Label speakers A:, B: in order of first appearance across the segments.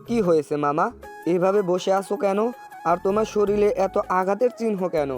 A: কি হয়েছে মামা? এভাবে বসে আছো কেন? আর তোমার শরীরে এত আঘাতের চিহ্ন কেন?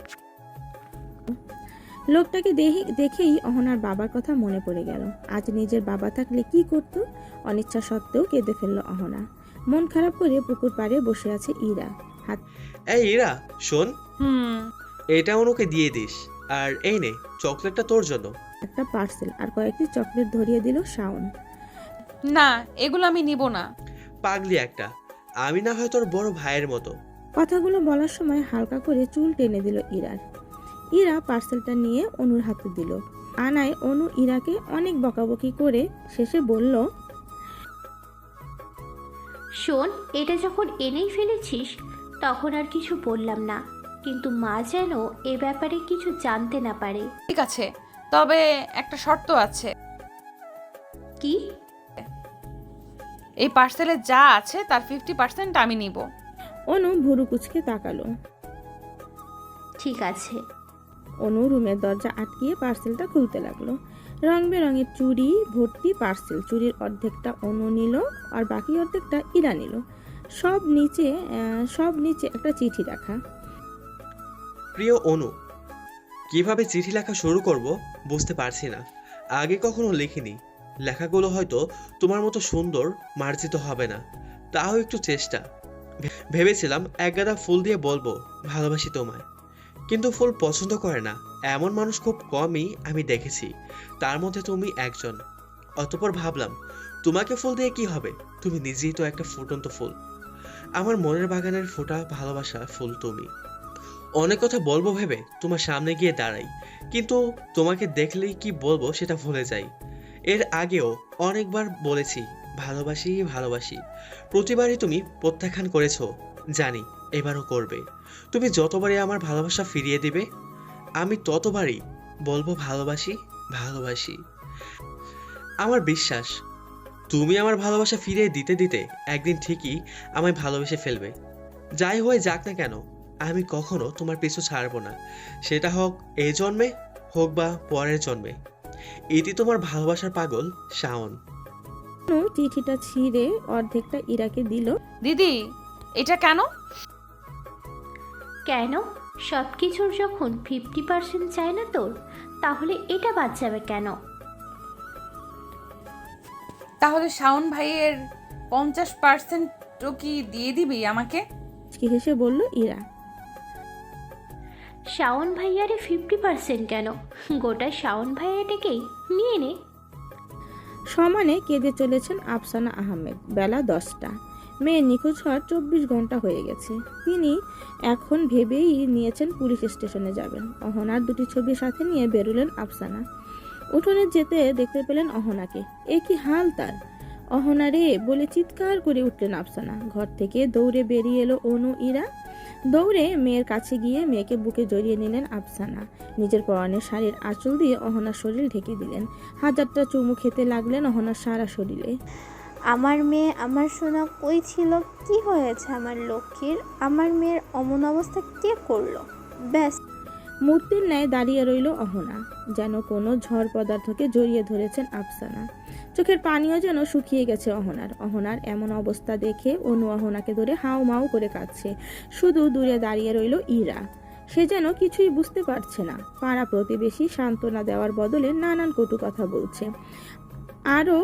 B: লোকটাকে দেখেই অহনার বাবার কথা মনে পড়ে গেল। আজ নিজের বাবা থাকলে কি করত। অনিচ্ছা সত্ত্বেও কেঁদে ফেলল অহনা। মন খারাপ করে পুকুর পাড়ে বসে আছে ইরা। হাত
C: এই ইরা, শোন,
D: হুম।
C: এটা অনুকে দিয়ে দিস। আর এই নে, চকলেটটা তোর জন্য।
B: একটা পার্সেল আর কয়েকটি চকলেট ধরিয়ে দিল শাওন।
D: না, এগুলো আমি নিব না।
C: পাগলি একটা, আমি না হয় তোর বড় ভাইয়ের মতো।
B: কথাগুলো বলার সময় হালকা করে চুল টেনে দিল ইরার। ইরা পার্সেলটা নিয়ে অনুর হাতে দিল। আনায় অনু ইরাকে অনেক বকাবকি করে শেষে বলল,
E: শোন, এটা যখন এনেই ফেলেছিস তখন আর কিছু বললাম না, কিন্তু মা যেন এ ব্যাপারে কিছু জানতে না পারে।
D: ঠিক আছে, তবে একটা শর্ত আছে।
E: কি?
D: এই পার্সেলে যা আছে তার 50% আমি নিব।
B: অনু ভুরু কুচকে তাকালো।
E: ঠিক আছে।
B: অনু রুমের দরজা আটকিয়ে পার্সেলটা খুলতে লাগলো। রং বেরঙের চুড়ি ভর্তি পার্সেল। চুড়ির অর্ধেকটা অনু নিল আর বাকি অর্ধেকটা ইরা নিল। সব নিচে একটা চিঠি রাখা।
C: প্রিয় অনু, কিভাবে চিঠি লেখা শুরু করব বুঝতে পারছি না। আগে কখনো লিখিনি। লেখাগুলো হয়তো তোমার মতো সুন্দর মার্জিত হবে না, তাও একটু চেষ্টা। ভেবেছিলাম এক গাদা ফুল দিয়ে বলবো ভালোবাসি তোমায়, কিন্তু ফুল পছন্দ করে না এমন মানুষ খুব কমই আমি দেখেছি, তার মধ্যে তুমি একজন। অতঃপর ভাবলাম তোমাকে ফুল দিয়ে কি হবে, তুমি নিজেই তো একটা ফুটন্ত ফুল। আমার মনের বাগানের ফোটা ভালোবাসা ফুল তুমি। অনেক কথা বলবো ভেবে তোমার সামনে গিয়ে দাঁড়াই, কিন্তু তোমাকে দেখলেই কি বলবো সেটা ভুলে যাই। এর আগেও অনেকবার বলেছি ভালোবাসি ভালোবাসি, প্রতিবারই তুমি প্রত্যাখ্যান করেছো। জানি এবারও করবে। তুমি যতবারই আমার ভালোবাসা ফিরিয়ে দিবে আমি ততবারই বলবো ভালোবাসি ভালোবাসি। আমার বিশ্বাস তুমি আমার ভালোবাসা ফিরিয়ে দিতে দিতে একদিন ঠিকই আমায় ভালোবেসে ফেলবে। যাই হয়ে যাক না কেন, আমি কখনো তোমার পিছু ছাড়বো না, সেটা হোক এই জন্মে হোক বা পরের জন্মে। এটি তোমার ভালোবাসার পাগল শাওন।
B: অনু চিঠিটা ছিঁড়ে অর্ধেকটা ইরাকে দিল।
D: দিদি, এটা কেন?
E: কেন? সব কিছুর যখন 50% চাই না তোর, তাহলে এটা বাদ যাবে কেন?
D: তাহলে শাওন ভাইয়ের 50%ও কি দিয়ে দিবি আমাকে?
B: মুচকি হেসে বলল ইরা।
E: শাওন ভাইয়ারে 50% কেন? গোটা শাওন ভাইয়াটাকেই নিয়ে নে।
B: সমানে কেঁদে চলেছেন আফসানা আহমেদ। বেলা 10টা। মেয়ে নিখোঁজ হওয়ার 24 ঘন্টা হয়ে গেছে। তিনি এখন ভেবেই নিয়েছেন পুলিশ স্টেশনে যাবেন। অহনার দুটি ছবি সাথে নিয়ে বেরোলেন আফসানা। উঠোনে যেতে দেখতে পেলেন অহনাকে। এ কি হাল তার! অহনা রে বলে চিৎকার করে উঠলেন আফসানা। ঘর থেকে দৌড়ে বেরিয়ে এলো অনু ইরা। দৌড়ে মেয়ের কাছে গিয়ে মেয়েকে বুকে জড়িয়ে নিলেন আফসানা। নিজের পরনের শাড়ির আঁচল দিয়ে অহনার শরীর ঢেকে দিলেন। হাজারটা চুমু খেতে লাগলেন অহনার সারা শরীরে।
F: আমার মেয়ে, আমার সোনা কই ছিল? কি হয়েছে আমার লক্ষ্মীর? আমার মেয়ের অমন অবস্থা কে করলো? ব্যাস,
B: মূর্তির ন্যায় দাঁড়িয়ে রইল অহনা, যেন কোনো ঝড় পদার্থকে জড়িয়ে ধরেছেন আফসানা। চোখের পানিও যেন শুকিয়ে গেছে অহনার এমন অবস্থা দেখে অনু অহনাকে ধরে হাউ মাউ করে কাঁদছে। শুধু দূরে দাঁড়িয়ে রইল ইরা। সে যেন কিছুই বুঝতে পারছে না। পাড়া প্রতিবেশী সান্ত্বনা দেওয়ার বদলে নানান কটু কথা বলছে। আরও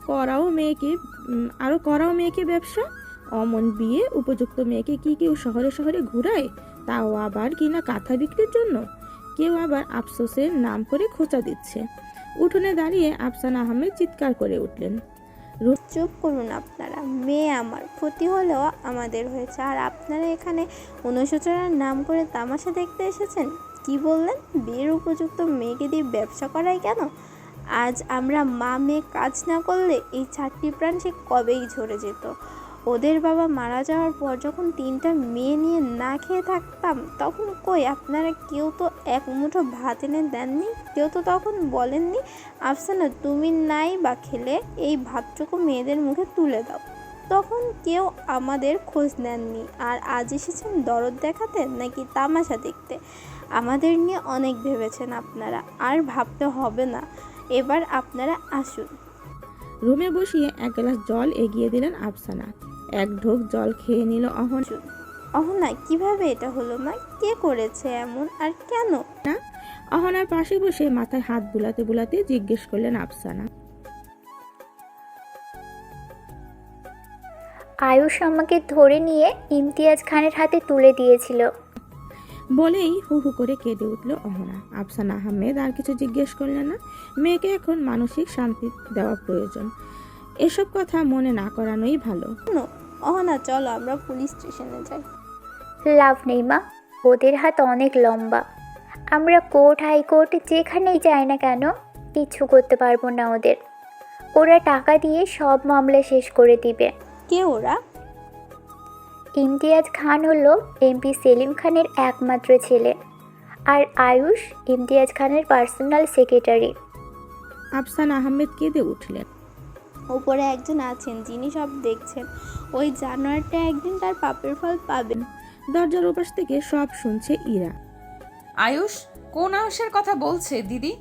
B: করাও মেয়েকে ব্যবসা। অমন বিয়ে উপযুক্ত মেয়েকে কি কেউ শহরে শহরে ঘুরায়? তাও আবার কিনা কাঁথা বিক্রির জন্য। কেউ আবার আফসোসের নাম করে খোঁচা দিচ্ছে। উঠোনে দাঁড়িয়ে আফসানা আহমেদ চিৎকার করে উঠলেন,
F: চুপ করুন আপনারা। মেয়ে আমার ক্ষতি হলেও আমাদের হয়েছে, আর আপনারা এখানে অনুশোচনার নাম করে তামাশা দেখতে এসেছেন। কি বললেন? বিয়ের উপযুক্ত মেয়েকে দিয়ে ব্যবসা করায় কেন? আজ আমরা মা মেয়ে কাজ না করলে এই 4টি প্রাণ সে কবেই ঝরে যেত। ওদের বাবা মারা যাওয়ার পর যখন 3টা মেয়ে নিয়ে না খেয়ে থাকতাম, তখন কই আপনারা কেউ তো এক মুঠো ভাত এনে দেননি, কেউ তো তখন বলেননি আফসানা তুমি নাই বা খেলে এই ভাতটুকু মেয়েদের মুখে তুলে দাও। তখন কেউ আমাদের খোঁজ নেননি। আর আজ এসেছেন দরদ দেখাতে নাকি তামাশা দেখতে? আমাদের নিয়ে অনেক ভেবেছেন আপনারা, আর ভাবতে হবে না। এবার আপনারা আসুন।
B: রুমে বসিয়ে এক গ্লাস জল এগিয়ে দিলেন আফসানা। এক ঢোক জল খেয়ে নিল অহনা।
F: অহনা কিভাবে এটা হলো মা? কে করেছে এমন আর কেন?
B: অহনার পাশে বসে মাথায় হাত বুলাতে বুলাতে জিজ্ঞেস করলেন আফসানা।
G: আয়ুষ আমাকে ধরে নিয়ে ইমতিয়াজ খানের হাতে তুলে দিয়েছিল।
B: বলেই হু হু করে কেঁদে উঠল অহনা। আফসানা আহমেদ আর কিছু জিজ্ঞেস করলেন না। মেয়েকে এখন মানসিক শান্তি দেওয়া প্রয়োজন, এসব কথা মনে না করানোই ভালো।
F: অহনা চলো আমরা পুলিশ স্টেশনে যাই।
G: লাভ নেই মা, ওদের হাত অনেক লম্বা। আমরা কোর্ট হাইকোর্ট যেখানেই যাই না কেন কিচ্ছু করতে পারবো না ওদের। ওরা টাকা দিয়ে সব মামলা শেষ করে দিবে।
F: কে ওরা?
G: ইমতিয়াজ খান হলো এমপি সেলিম খানের একমাত্র ছেলে, আর আয়ুষ ইমতিয়াজ খানের পার্সোনাল সেক্রেটারি।
B: আফসানা আহমেদ কেঁদে উঠলেন।
F: উপরে একজন আছেন যিনি সব দেখছেন। ওই জানোয়ারটা একদিন তার পাপের ফল পাবে।
B: দরজার ওপাশ থেকে সব শুনছে ইরা।
D: আয়ুষ? কোন আয়ুষের কথা বলছে দিদি?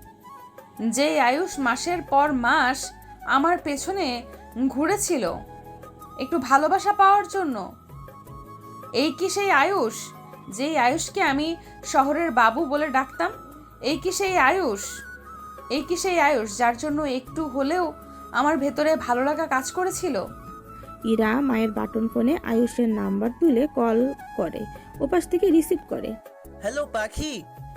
D: যে আয়ুষ মাসের পর মাস আমার পেছনে ঘুরেছিল একটু ভালোবাসা পাওয়ার জন্য? এই কি সেই আয়ুষ যেই আয়ুষকে আমি শহরের বাবু বলে ডাকতাম? এই কি সেই আয়ুষ? এই কি সেই আয়ুষ যার জন্য একটু হলেও আমার ভেতরে ভালো লাগা কাজ করেছিল?
B: ইরা মায়ের বাটন ফোনে আয়ুষের নাম্বার তুলে কল করে, ওপাশ থেকে রিসিভ করে।
H: হ্যালো পাখি,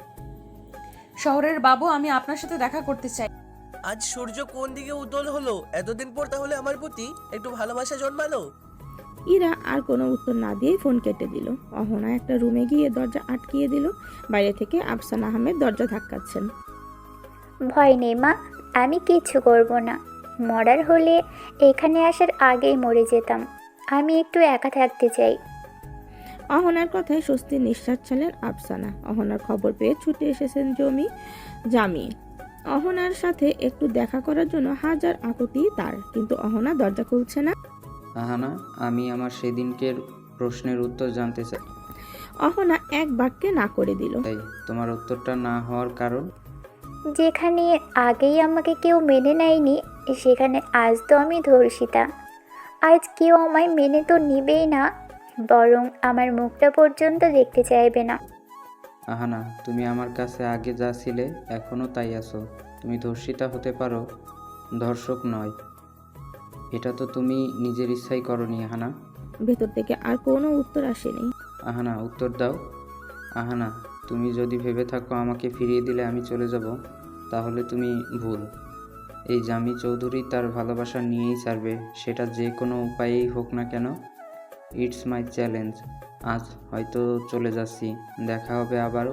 D: শহরের বাবু, আমি আপনার সাথে দেখা করতে চাই।
H: আজ সূর্য কোন দিকে উদল হলো? এতদিন পর তাহলে আমার প্রতি একটু ভালোবাসা জন্মালো।
B: ইরা আর কোনো উত্তর না দিয়েই ফোন কেটে দিল। অহনা একটা রুমে গিয়ে দরজা আটকিয়ে দিল। বাইরে থেকে আফসানা আহমেদ দরজা ধাক্কাচ্ছেন।
G: ভয় নেই মা, আমি কিচ্ছু করব না। মরার হলে এখানে আসার আগেই মরে যেতাম। আমি একটু একা থাকতে চাই।
B: অহনার কথায় স্বস্তির নিঃশ্বাস ছাড়লেন আফসানা। অহনার খবর পেয়ে ছুটে এসেছেন জামি। অহনার সাথে একটু দেখা করার জন্য হাজার আকুতি তার, কিন্তু অহনা দরজা খুলছে না।
I: আহানা, আমি আমার সেদিনকের প্রশ্নের উত্তর জানতে চাই।
B: অহনা এক বাক্যে না করে দিল।
I: তাই তোমার উত্তরটা না হওয়ার কারণ?
G: যেখানে আগেই আমাকে কেউ মেনে নেয়নি, সেখানে আজ তো আমি ধর্ষিতা। আজ কেউ আমায় মেনে তো নিবেই না, বরং আমার মুখটা পর্যন্ত দেখতে চাইবে না।
I: আহানা, তুমি আমার কাছে আগে যা ছিলে এখনও তাই আছো। তুমি ধর্ষিতা হতে পারো, ধর্ষক নয়। এটা তো তুমি নিজের ইচ্ছাই করনি আহানা।
B: ভেতর থেকে আর কোনো উত্তর আসেনি।
I: আহানা, উত্তর দাও। আহানা, তুমি যদি ভেবে থাকো আমাকে ফিরিয়ে দিলে আমি চলে যাব, তাহলে তুমি ভুল। এই জামি চৌধুরী তার ভালোবাসা নিয়েই ছাড়বে, সেটা যে কোনো উপায়েই হোক না কেন। It's my challenge. আজ হয়তো চলে যাচ্ছি, দেখা হবে আবারও।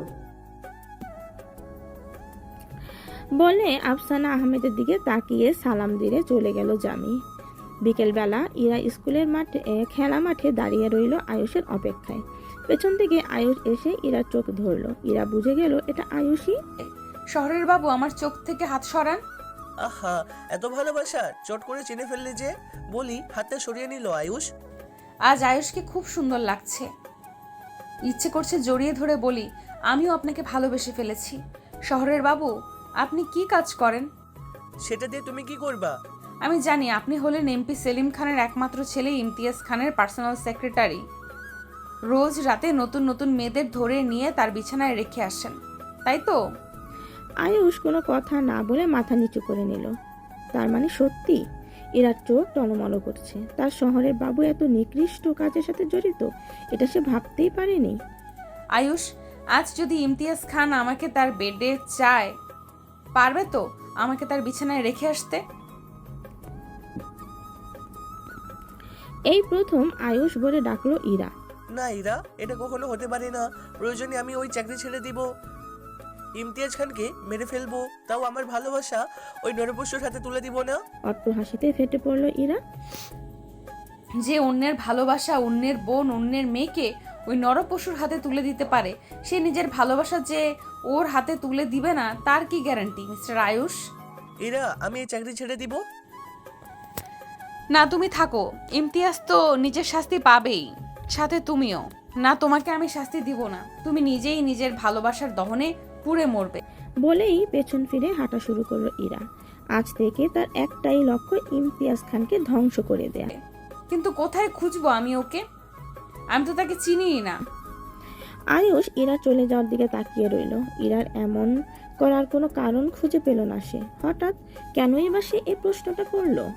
B: বলে আফসানা আহমেদের দিকে তাকিয়ে সালাম দিয়ে চলে গেল জামি। বিকেলবেলা ইরা স্কুলের খেলা মাঠে দাঁড়িয়ে রইল আয়ুষের অপেক্ষায়। পেছন থেকে আয়ুষ এসে ইরার চোখ ধরল। ইরা বুঝে গেল এটা আয়ুষই।
D: শহরের বাবু, আমার চোখ থেকে হাত সরান।
H: আহা, এত ভালোবাসা চট করে চিনে ফেললে যে। বলি, হাতটা সরিয়ে নিল আয়ুষ।
D: আজ আয়ুষকে খুব সুন্দর লাগছে। ইচ্ছে করছে জড়িয়ে ধরে বলি, আমিও আপনাকে ভালোবেসে ফেলেছি। শহরের বাবু, আপনি কি কাজ করেন?
H: সেটা দিয়ে তুমি কি করবা?
D: আমি জানি আপনি হলেন এমপি সেলিম খানের একমাত্র ছেলে ইমতিয়াজ খানের পার্সোনাল সেক্রেটারি। রোজ রাতে নতুন নতুন মেয়েদের ধরে নিয়ে তার বিছানায় রেখে আসেন, তাই তো?
B: আয়ুষ কোনো কথা না বলে মাথা নিচু করে নিল। তার মানে সত্যি? ইরার চোখ টলমল করছে। তার শহরের বাবু এত নিকৃষ্ট কাজের সাথে জড়িত, এটা সে ভাবতেই পারেনি।
D: আয়ুষ, আজ যদি ইমতিয়াজ খান আমাকে তার বেডে চায়, পারবে তো আমাকে তার বিছানায় রেখে আসতে?
B: এই প্রথম আয়ুষ বলে ডাকলো ইরা।
H: না ইরা, এটা কখনো হতে পারে না। প্রয়োজনে আমি ওই চাকরি ছেড়ে দিব, ইমতিয়াজ খানকে মেরে ফেলবো, তাও আমার ভালোবাসা ওই নরপশুর হাতে তুলে দিব না।
B: অট্ট হাসিতে ফেটে পড়লো ইরা।
D: যে অন্যের ভালোবাসা, অন্যের বোন, অন্যের মেয়েকে ওই নরপশুর হাতে তুলে দিতে পারে, সে নিজের ভালোবাসা যে ওর হাতে তুলে দিবে না তার কি গ্যারান্টি মিস্টার আয়ুষ?
H: ইরা, আমি এই চাকরি ছেড়ে দিব।
D: না, তুমি থাকো। ইমতিয়াজ তো নিজের শাস্তি পাবেই, সাথে তুমিও। না, তোমাকে আমি শাস্তি দিব না। তুমি নিজেই নিজের ভালোবাসার দহনে পুড়ে মরবে।
B: বলেই পেছন ফিরে হাঁটা শুরু করলো ইরা। আজ থেকে তার একটাই লক্ষ্য, ইমতিয়াজ খানকে ধ্বংস করে দেয়া।
D: কিন্তু কোথায় খুঁজবো আমি ওকে? আমি তো তাকে চিনিই না।
B: আয়ুষ ইরা চলে যাওয়ার দিকে তাকিয়ে রইল। ইরার এমন করার কোনো কারণ খুঁজে পেল না সে। হঠাৎ কেনই বা সে এই প্রশ্নটা করলো?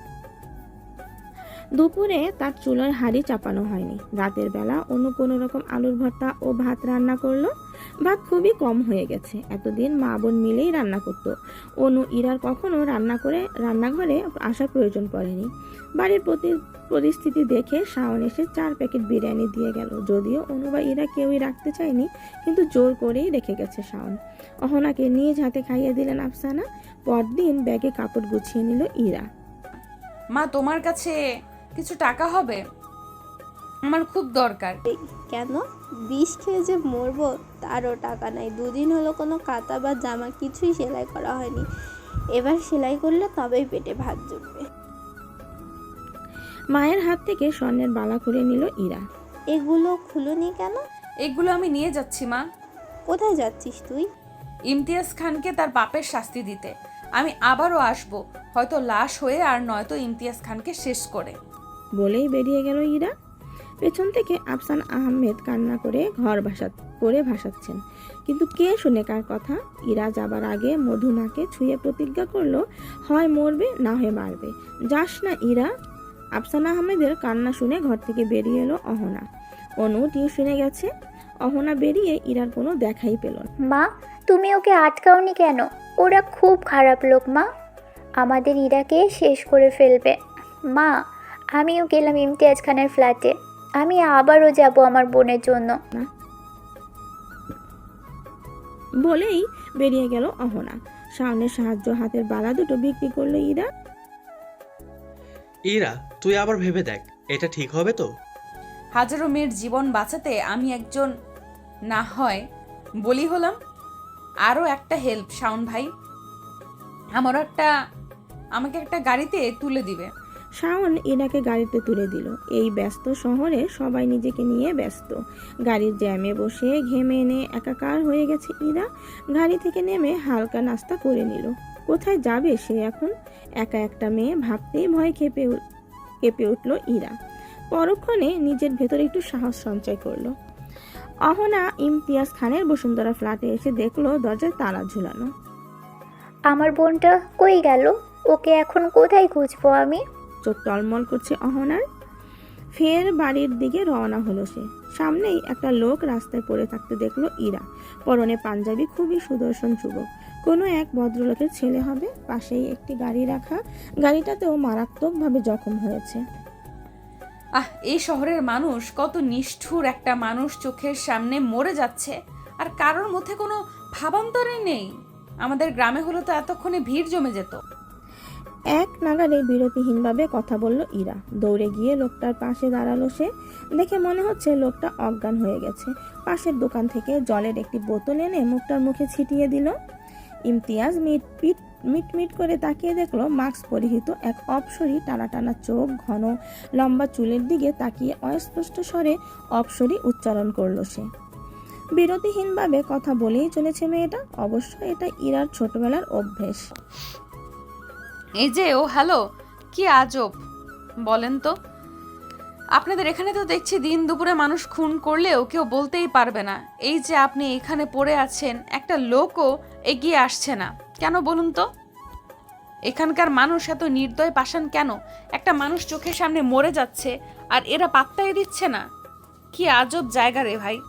B: দুপুরে তার চুলার হাঁড়ি চাপানো হয়নি। রাতের বেলা অন্য কোনো রকম আলুর ভর্তা ও ভাত রান্না করলো। ভাত খুবই কম হয়ে গেছে। এতদিন মা বোন মিলেই রান্না করতো। অনু ইরার কখনো রান্নাঘরে আসার প্রয়োজন পড়েনি। বাড়ির পরিস্থিতি দেখে শাওন এসে 4 প্যাকেট বিরিয়ানি দিয়ে গেল। যদিও অনু বা ইরা কেউই রাখতে চায়নি, কিন্তু জোর করেই রেখে গেছে শাওন। অহনাকে নিজ হাতে খাইয়ে দিলেন আফসানা। পরদিন ব্যাগে কাপড় গুছিয়ে নিল ইরা।
D: মা, তোমার কাছে কিছু টাকা হবে? আমার খুব দরকার।
F: কেন? বিষ খেয়ে যে মরবো তারও টাকা নাই। 2 দিন হলো কোনো কাঁথা বা জামা কিছুই সেলাই করা হয়নি। এবার সেলাই করলে তবেই পেটে ভাত জুটবে।
B: মায়ের হাত থেকে স্বর্ণের বালা খুলে নিল ইরা।
F: এগুলো খুলুনি কেন?
D: এগুলো আমি নিয়ে যাচ্ছি মা।
F: কোথায় যাচ্ছিস তুই?
D: ইমতিয়াজ খানকে তার পাপের শাস্তি দিতে। আমি আবারও আসব, হয়তো লাশ হয়ে, আর নয়তো ইমতিয়াজ খানকে শেষ করে।
B: বলেই বেরিয়ে গেল ইরা। পেছন থেকে আফসানা আহমেদ কান্না করে ভাসাচ্ছেন। কিন্তু কে শুনে কার কথা? ইরা যাবার আগে মধুমাকে ছুঁয়ে প্রতিজ্ঞা করলো, হয় মরবে না হয় মারবে। যাস না ইরা। আফসানা আহমেদের কান্না শুনে ঘর থেকে বেরিয়ে এলো অহনা। অনু টিউশনে গেছে। অহনা বেরিয়ে ইরার কোনো দেখাই পেল না।
G: মা, তুমি ওকে আটকাওনি কেন? ওরা খুব খারাপ লোক মা, আমাদের ইরাকে শেষ করে ফেলবে। মা, আমিও গেলাম ইমতিয়াজ খানের ফ্ল্যাটে। আমি আবারও যাব আমার বোনের জন্য।
B: বলেই বেরিয়ে গেল অহনা। শাওনের সাহায্য হাতের বালা দুটো বিক্রি করলো ইরা।
C: ইরা, তুই আবার ভেবে দেখ, এটা ঠিক হবে তো?
D: হাজারো মেয়ের জীবন বাঁচাতে আমি একজন না হয় বলি হলাম। আরও একটা হেল্প শাওন ভাই, আমাকে একটা গাড়িতে তুলে দিবে।
B: শাওন ইরাকে গাড়িতে তুলে দিল। এই ব্যস্ত শহরে সবাই নিজেকে নিয়ে ব্যস্ত। গাড়ির জ্যামে বসে ঘেমে এনে একাকার হয়ে গেছে ইরা। গাড়ি থেকে নেমে হালকা নাস্তা করে নিল। কোথায় যাবে সে এখন? একা একটা মেয়ে ভাবতেই ভয় কেঁপে উঠল ইরা। পরক্ষণে নিজের ভেতরে একটু সাহস সঞ্চয় করলো। অহনা ইমতিয়াজ খানের বসুন্ধরা ফ্ল্যাটে এসে দেখলো দরজায় তালা ঝুলানো।
G: আমার বোনটা কই গেল? ওকে এখন কোথায় খুঁজবো আমি?
B: চোখ টলমল করছে অহনার। ফের বাড়ির দিকে রওনা হলো সে। সামনেই একটা লোক রাস্তায় পড়ে থাকতে দেখলো ইরা। পরনে পাঞ্জাবি, খুবই সুদর্শন যুবক। কোনো এক ভদ্রলোকের ছেলে হবে। পাশেই একটি গাড়ি রাখা। গাড়িটাতেও মারাত্মকভাবে জখম হয়েছে।
D: এই শহরের মানুষ কত নিষ্ঠুর! একটা মানুষ চোখের সামনে মরে যাচ্ছে আর কারোর মধ্যে কোনো ভাবান্তরই নেই। আমাদের গ্রামে হলো তো এতক্ষণে ভিড় জমে যেত।
B: এক নাগারে বিরতিহীনভাবে কথা বলল ইরা। দৌড়ে গিয়ে লোকটার পাশে দাঁড়ালো সে। দেখে মনে হচ্ছে লোকটা অজ্ঞান হয়ে গেছে। পাশের দোকান থেকে জলের একটি বোতল এনে মুখটার মুখে ছিটিয়ে দিল। ইমতিয়াজ মিট করে তাকিয়ে দেখলো মাস্ক পরিহিত এক অপসরী, টানা টানা চোখ, ঘন লম্বা চুলের দিকে তাকিয়ে অস্পষ্ট স্বরে অপসরী উচ্চারণ করলো সে। বিরতিহীনভাবে কথা বলেই চলেছে মেয়েটা। অবশ্য এটা ইরার ছোটবেলার অভ্যেস।
D: এই যে, ও হ্যালো, কি আজব বলেন তো। আপনাদের এখানে তো দেখছি দিন দুপুরে মানুষ খুন করলেও কেউ বলতেই পারবে না। এই যে আপনি এখানে পড়ে আছেন, একটা লোকও এগিয়ে আসছে না কেন বলুন তো? এখানকার মানুষ এত নির্দয় পাষাণ কেন? একটা মানুষ চোখের সামনে মরে যাচ্ছে আর এরা পাত্তাই দিচ্ছে না। কি আজব জায়গা রে ভাই।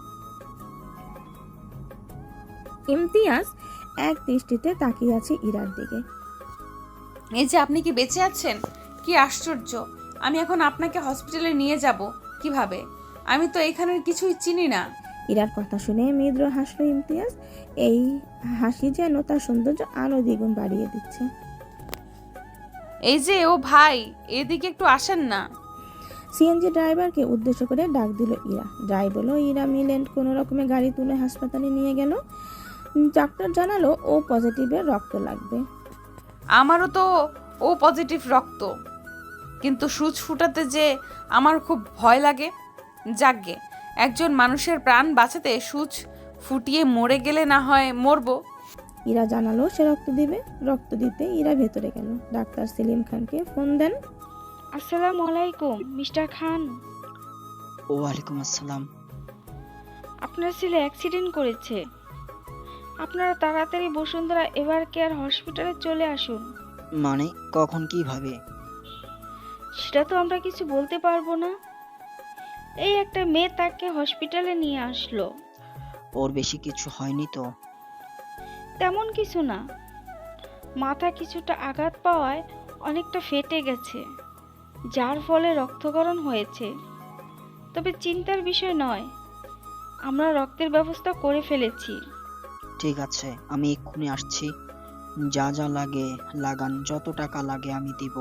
B: ইমতিয়াজ এক দৃষ্টিতে তাকিয়ে আছে ইরার দিকে।
D: এই যে আপনি কি বেঁচে আছেন? কি আশ্চর্য! আমি এখন আপনাকে হসপিটালে নিয়ে যাব কিভাবে? আমি তো এখানের কিছুই চিনি না।
B: ইরার কথা শুনে মৃদু হাসলো ইমতিয়াজ। এই হাসি যেন তার সৌন্দর্য আরো দ্বিগুণ বাড়িয়ে দিচ্ছে।
D: এই যে, ও ভাই, এদিকে একটু আসেন না।
B: সিএনজি ড্রাইভারকে উদ্দেশ্য করে ডাক দিল ইরা। ড্রাইভার ইরা মিলেন্ট কোনো রকমে গাড়ি তুলে হাসপাতালে নিয়ে গেল। ডাক্তার জানালো ও পজিটিভের রক্ত লাগবে।
D: আমারও তো ও পজিটিভ রক্ত, কিন্তু সূচ ফুটাতে যে আমার খুব ভয় লাগে। যাকগে, একজন মানুষের প্রাণ বাঁচাতে সূচ ফুটিয়ে মরে গেলে না হয় মরবো।
B: ইরা জানালো সে রক্ত দিবে। রক্ত দিতে ইরা ভেতরে গেল। ডাক্তার সেলিম খানকে ফোন দেন।
J: আসসালামু আলাইকুম মিস্টার খান।
K: ওয়ালাইকুম আসসালাম।
J: আপনার ছেলে অ্যাক্সিডেন্ট করেছে। আপনারা তাড়াতাড়ি বসুন্ধরা এভার কেয়ার হসপিটালে চলে আসুন।
K: মানে কখন কিভাবে?
J: সেটা তো আমরা কিছু বলতে পারবো না। এই একটা মেয়ে তাকে হসপিটালে নিয়ে আসলো।
K: ওর বেশি কিছু হয়নি তো?
J: তেমন কিছু না, মাথা কিছুটা আঘাত পাওয়ায় অনেকটা ফেটে গেছে, যার ফলে রক্তক্ষরণ হয়েছে। তবে চিন্তার বিষয় নয়, আমরা রক্তের ব্যবস্থা করে ফেলেছি।
K: ঠিক আছে, আমি এক্ষুনি আসছি। যা যা লাগে লাগান, যত টাকা লাগে আমি দিব।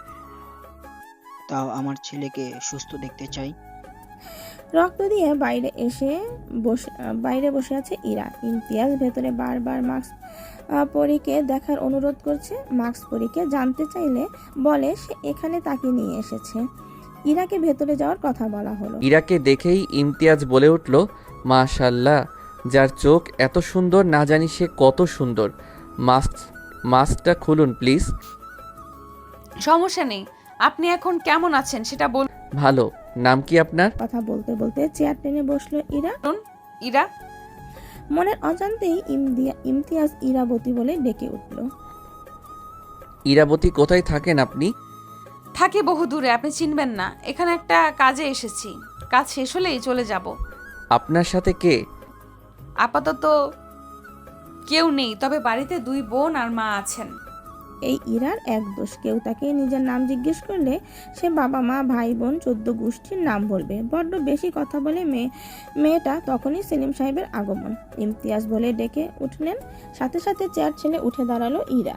K: তাও আমার ছেলেকে সুস্থ দেখতে চাই।
B: রক্ত দিয়ে বাইরে বসে আছে ইরা। ইমতিয়াজ ভেতরে বারবার মাস্ক পরীকে দেখার অনুরোধ করছে। মাস্ক পরীকে জানতে চাইলে বলে সে এখানে তাকে নিয়ে এসেছে। ইরাকে ভেতরে যাওয়ার কথা বলা হলো।
L: ইরাকে দেখেই ইমতিয়াজ বলে উঠল, মাশাল্লাহ, যার চোখ এত সুন্দর না জানি সে কত সুন্দর। মাস্কটা খুলুন প্লিজ।
D: সমস্যা নেই, আপনি এখন কেমন আছেন সেটা বলুন।
L: ভালো। নাম কি আপনার?
B: কথা বলতে বলতে চেয়ার টেনে বসলো ইরা।
D: ইরা?
B: মনের অজান্তেই ইমতিয়াজ ইরাবতী বলে ডেকে উঠল।
L: ইরাবতী কোথায় থাকেন আপনি?
D: থাকি বহু দূরে, আপনি চিনবেন না। এখানে একটা কাজে এসেছি, কাজ শেষ হলেই চলে যাব।
L: আপনার সাথে কে?
D: আপাতত কেউ নেই, তবে বাড়িতে 2 বোন আর মা আছেন।
B: এই ইরার এক দোষ, কেউ তাকে নিজের নাম জিজ্ঞেস করলে সে বাবা মা ভাই বোন 14 গোষ্ঠীর নাম বলবে। বড্ড বেশি কথা বলে মেয়েটা। তখনই সেলিম সাহেবের আগমন। ইমতিয়াজ বলে ডেকে উঠলেন, সাথে সাথে চেয়ার ছেড়ে উঠে দাঁড়ালো ইরা।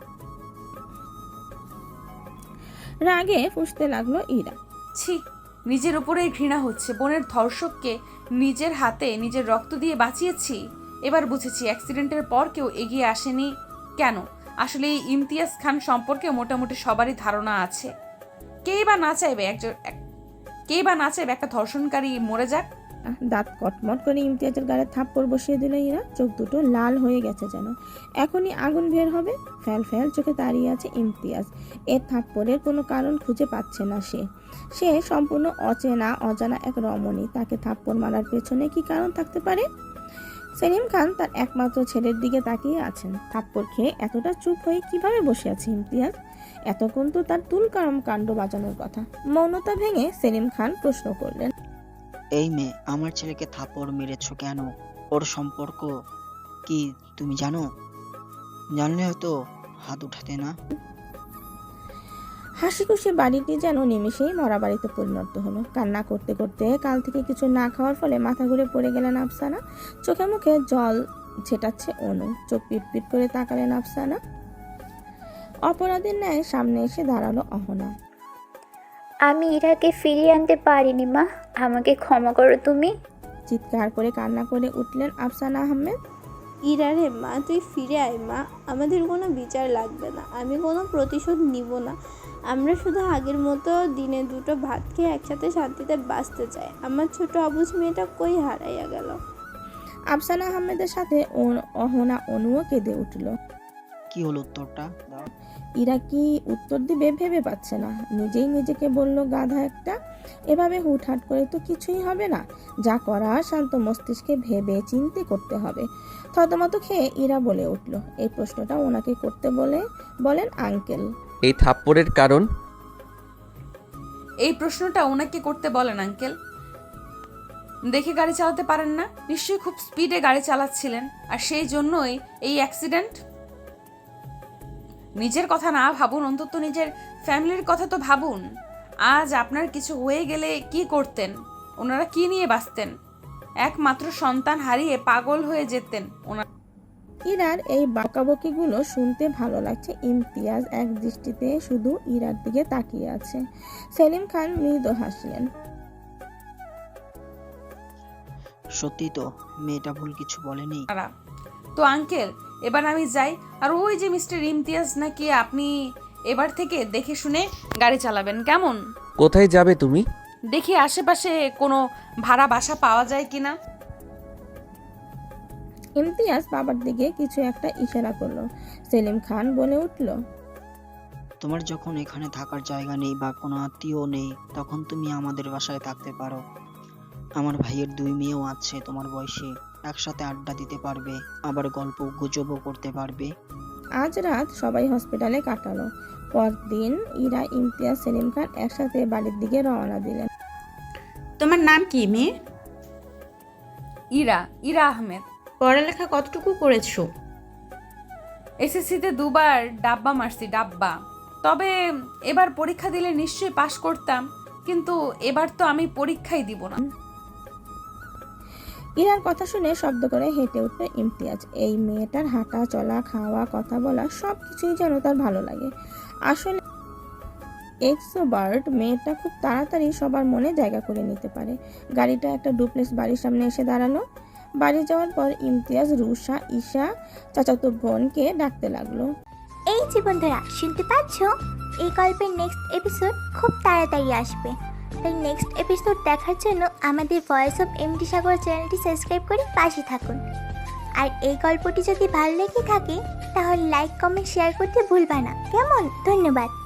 B: রাগে ফুঁসতে লাগলো ইরা।
D: ছি, নিজের উপরেই ঘৃণা হচ্ছে। বোনের ধর্ষককে নিজের হাতে নিজের রক্ত দিয়ে বাঁচিয়েছি। এবার বুঝেছি অ্যাক্সিডেন্টের পর কেউ এগিয়ে আসেনি কেন। আসলে এই ইমতিয়াজ খান সম্পর্কে মোটামুটি সবারই ধারণা আছে। কেই বা না চাইবে একটা ধর্ষণকারী মরে যাক।
B: দাঁত কটমট করে ইমতিয়াজের গায়ে থাপ্পড় বসিয়ে দিল ইরা। চোখ দুটো লাল হয়ে গেছে যেন, এখনই আগুন বের হবে। ফ্যাল ফ্যাল চোখে দাঁড়িয়ে আছে ইমতিয়াজ। এর থাপ্পড়ের কোনো কারণ খুঁজে পাচ্ছে না সে সম্পূর্ণ অজানা এক রমণী। তাকে থাপ্পড় মারার পেছনে কি কারণ থাকতে পারে? সেলিম খান তার একমাত্র ছেলের দিকে তাকিয়ে আছেন। থাপ্পড় খেয়ে এতটা চুপ হয়ে কিভাবে বসে আছে ইমতিয়াজ? এতক্ষণ তো তার তুলকারম কাণ্ড বাজানোর কথা। মৌনতা ভেঙে সেলিম খান প্রশ্ন করলেন,
K: এই মেয়ে, আমার ছেলেকে থাপ্পড় মেরেছ কেন? ওর সম্পর্ক কি তুমি জানো? জানলে হয়তো হাত উঠাতে না।
B: হাসি খুশি বাড়িটি যেন নিমেষেই মরা বাড়িতে পরিণত হলো। কান্না করতে করতে কাল থেকে কিছু না খাওয়ার ফলে মাথা ঘুরে পড়ে গেলেন আফসানা। চোখে মুখে জল ছেটাচ্ছে অনু। চোখ পিটপিট করে তাকালেন আফসানা। অপরাধীর ন্যায় সামনে এসে দাঁড়ালো অহনা।
G: আমি ইরাকে ফিরিয়ে আনতে পারিনি মা, আমাকে ক্ষমা করো তুমি।
B: চিৎকার করে কান্না করে উঠলেন আফসানা আহমেদ।
F: ইরারে মা, তুই ফিরে আয় মা, আমাদের কোনো বিচার লাগবে না, আমি কোনো প্রতিশোধ নিব না। আমরা শুধু আগের মতো দিনে 2টো ভাত খেয়ে একসাথে শান্তিতে বাঁচতে চাই। আমার ছোট অবুঝ মেয়েটা কই হারাইয়া গেল।
B: আফসানা আহমেদের সাথে অহনা অনুও কেঁদে উঠল।
K: কি হলো উত্তরটা দাও।
B: ইরা কি উত্তর দিবে ভেবে পাচ্ছে না। নিজেই নিজেকে বলল, গাধা একটা, এভাবে হুটহাট করে তো কিছুই হবে না। যা করার শান্ত মস্তিষ্কে ভেবে চিন্তে করতে হবে। থতমত খেয়ে ইরা বলে উঠল, এই প্রশ্নটা ওনাকে করতে বলেন আঙ্কেল।
L: এই থাপ্পড়ের কারণ?
D: এই প্রশ্নটা ওনাকে করতে বলেন আঙ্কেল। দেখে গাড়ি চালাতে পারেন না, নিশ্চয়ই খুব স্পিডে গাড়ি চালাচ্ছিলেন, আর সেই জন্যই এই অ্যাক্সিডেন্ট। নিজের কথা না ভাবুন, অন্তত নিজের ফ্যামিলির কথা তো ভাবুন। আজ আপনার কিছু হয়ে গেলে কি করতেন? ওনারা কি নিয়ে বাঁচতেন? একমাত্র সন্তান হারিয়ে পাগল হয়ে যেতেন ওনারা।
B: ইরার এই বকাবকিগুলো শুনতে ভালো লাগছে। ইমতিয়াজ এক দৃষ্টিতে শুধু ইরার দিকে তাকিয়ে আছে। সেলিম খান মৃদু হাসলেন।
K: সত্যি তো, মেয়েটা ভুল কিছু বলেনি।
D: তো আঙ্কেল, এবার আমি যাই। আর ওই যে মিস্টার ইমতিয়াজ নাকি, আপনি এবার থেকে দেখে শুনে গাড়ি চালাবেন, কেমন?
L: কোথায় যাবে তুমি?
D: দেখি আশেপাশে কোনো ভাড়া বাসা পাওয়া যায় কিনা।
B: ইমতিয়াজ বাবার দিকে কিছু একটা ইশারা করলো। সেলিম খান বলে উঠল,
K: তোমার যখন এখানে থাকার জায়গা নেই বা কোনো আত্মীয় নেই, তখন তুমি আমাদের বাসায় থাকতে পারো। আমার ভাইয়ের 2 মেয়েও আছে তোমার বয়সী, একসাথে আড্ডা দিতে পারবে, আবার গল্প গুজবও করতে পারবে।
B: আজ রাত সবাই হসপিটালে কাটালো। পরদিন ইরা, ইমতিয়াজ, সেলিম খান একসাথে বাড়ির দিকে রওনা দিলেন।
M: তোমার নাম কি মেয়ে?
D: ইরা, ইরা আহমেদ।
M: পড়ালেখা কতটুকু করেছো?
D: এসএসসিতে 2বার ডাব্বা মারছি, ডাব্বা। তবে এবার পরীক্ষা দিলে নিশ্চয়ই পাশ করতাম, কিন্তু এবার তো আমি পরীক্ষাই দিব না।
B: ইরার কথা শুনে শব্দ করে হেঁটে উঠল ইমতিয়াজ। এই মেয়েটার হাঁটা চলা, খাওয়া, কথা বলা সব কিছুই যেন তার ভালো লাগে। আসলে এক্সোবার্ট মেয়েটা খুব তাড়াতাড়ি সবার মনে জায়গা করে নিতে পারে। গাড়িটা একটা ডুপ্লেক্স বাড়ির সামনে এসে দাঁড়ালো। বাড়ি যাওয়ার পর ইমতিয়াজ রুষা, ঈশা, চাচাতো বোনকে ডাকতে লাগলো।
G: এই যে বন্ধুরা, শুনতে পাচ্ছ? এই গল্পের নেক্সট এপিসোড খুব তাড়াতাড়ি আসবে, তাই নেক্সট এপিসোড দেখার জন্য আমাদের ভয়েস অফ এমডি সাগর চ্যানেলটি সাবস্ক্রাইব করে পাশে থাকুন। আর এই গল্পটি যদি ভালো লেগে থাকে তাহলে লাইক, কমেন্ট, শেয়ার করতে ভুলবা না, কেমন? ধন্যবাদ।